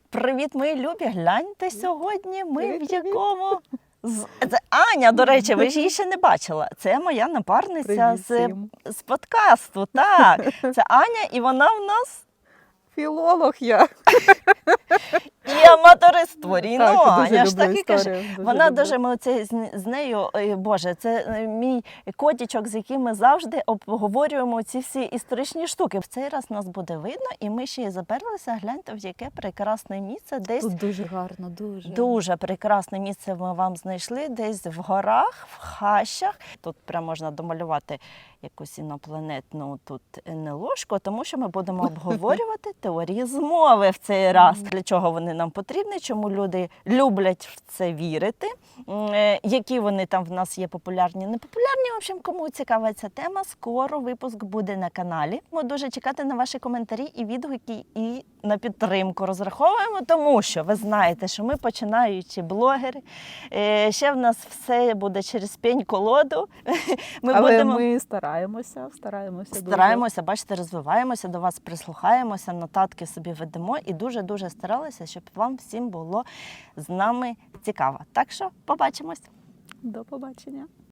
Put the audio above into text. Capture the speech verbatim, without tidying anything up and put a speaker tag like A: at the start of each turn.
A: Привіт, мої любі! Гляньте сьогодні ми в якому... З- Це Аня, до речі, ви ж її ще не бачила. Це моя напарниця
B: Привіт
A: з,
B: всім.
A: з подкасту. Так, це Аня, і вона в нас
B: Філолог я.
A: і аматориство. Ну,
B: Так, дуже
A: Аня ж
B: люблю
A: так і каже.
B: історію, дуже
A: Вона
B: люблю.
A: дуже, ми оце з, з нею, ой, Боже, це е, мій котічок, з яким ми завжди обговорюємо ці всі історичні штуки. В цей раз нас буде видно, і ми ще й заперлися. Гляньте, в яке прекрасне місце, десь
B: Тут дуже гарно, дуже.
A: дуже прекрасне місце ми вам знайшли, десь в горах, в хащах. Тут прям можна домалювати якусь інопланетну тут НЛОшку, тому що ми будемо обговорювати теорії змови в цей раз. Для чого вони нам потрібні, чому люди люблять в це вірити, м, е, які вони там в нас є популярні, непопулярні. В общем, кому цікава ця тема, скоро випуск буде на каналі. Ми дуже чекати на ваші коментарі і відгуки, і на підтримку розраховуємо, тому що ви знаєте, що ми починаючі блогери. Е, Ще в нас все буде через пень-колоду. Ми
B: Але
A: будемо...
B: ми стараємося, стараємося. дуже.
A: Стараємося, бачите, розвиваємося, до вас прислухаємося, нотатки собі ведемо і дуже-дуже старалися, щоб вам всім було з нами цікаво. Так що побачимось!
B: До побачення.